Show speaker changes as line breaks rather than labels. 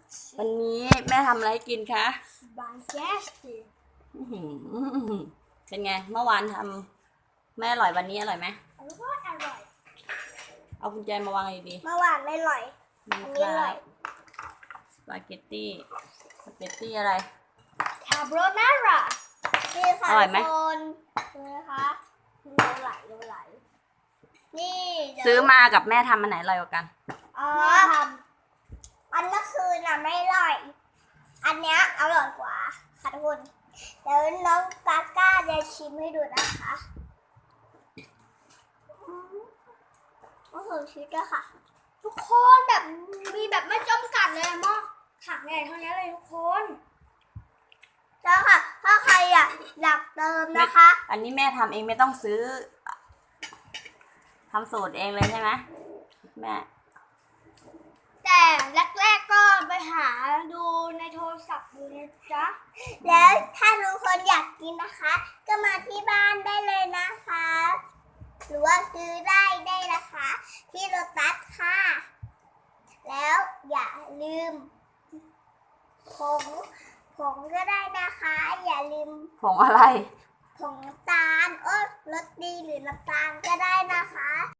วันนี้แม่ทำอะไรกินคะ
บางแกสติ
เป็นไงเมื่อวานทำไม่อร่อยวันนี้อร่อยไหม
แล้วก็อร่อย
เอากุญแจมาวางดี
เมื่อวานไม่อร่อยอันนี้อร่อย
สปาเกตตี้อะไร
คาโบนาร่านี่ค่ะ
อร่อยไหม
คนดูนะคะดูไหลนี่
ซื้อมากับแม่ทำอันไหนอร่อยกว่ากัน
ทำอันเมื่อคืนน่ะไม่อร่อยอันเนี้ยอร่อยกว่าค่ะทุกคนเดี๋ยวน้องกาก้าจะชิมให้ดูนะคะโอ้โหชีสอะค่ะทุกคนแบบมีแบบไม่จำกัดเลยมั้งถังใหญ่เท่านี้เลยทุกคนแล้วค่ะถ้าใครอยากเติมนะคะ
อันนี้แม่ทำเองไม่ต้องซื้อทำสูตรเองเลยใช่ไหมแม่
แต่แรกๆก็ไปหาดูในโทรศัพท์ดูนะจ๊ะแล้วถ้าทุกคนอยากกินนะคะก็มาที่บ้านได้เลยนะคะหรือว่าซื้อได้นะคะ ที่โลตัสค่ะแล้วอย่าลืมผงก็ได้นะคะอย่าลืม
ผงอะไร
ผงน้ำตาลรสดีหรือน้ำตาลก็ได้นะคะ